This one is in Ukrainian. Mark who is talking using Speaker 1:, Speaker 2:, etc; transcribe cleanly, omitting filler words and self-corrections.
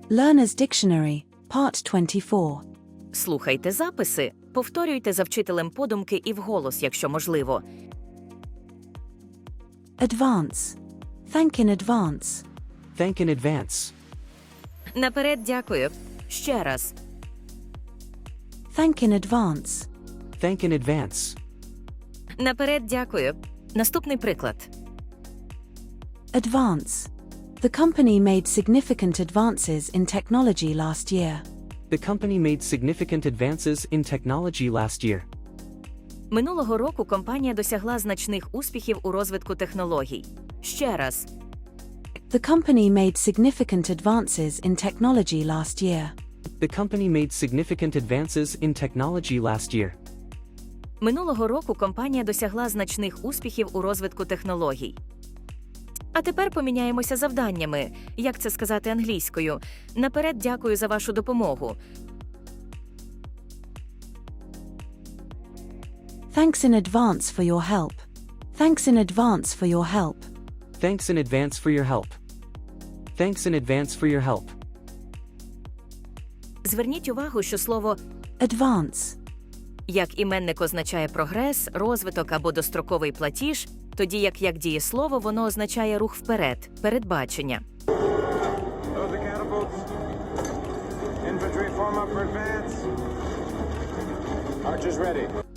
Speaker 1: Learner's Dictionary, Part 24.
Speaker 2: Слухайте записи, повторюйте за вчителем подумки і вголос, якщо можливо.
Speaker 1: Advance. Thank in advance.
Speaker 3: Thank in advance.
Speaker 2: Наперед дякую. Ще раз.
Speaker 1: Thank in advance.
Speaker 3: Thank in advance.
Speaker 2: Наперед дякую. Наступний приклад.
Speaker 1: Advance. The company made significant advances in technology last year.
Speaker 3: The company made significant advances in technology last year.
Speaker 2: Минулого року компанія досягла значних успіхів у розвитку технологій. Ще раз.
Speaker 1: The company made significant advances in technology last year.
Speaker 3: The company made significant advances in technology last year.
Speaker 2: Минулого року компанія досягла значних успіхів у розвитку технологій. А тепер поміняємося завданнями. Як це сказати англійською? Наперед дякую за вашу допомогу.
Speaker 1: Thanks in advance for your help. Thanks in advance for your help.
Speaker 3: Thanks in advance for your help. Thanks in advance for your help.
Speaker 2: Зверніть увагу, що слово
Speaker 1: Advance.
Speaker 2: як іменник означає прогрес, розвиток або достроковий платіж, тоді як дієслово воно означає рух вперед, передбачення.
Speaker 4: Load the catapults. Infantry form up for advance. Archers ready.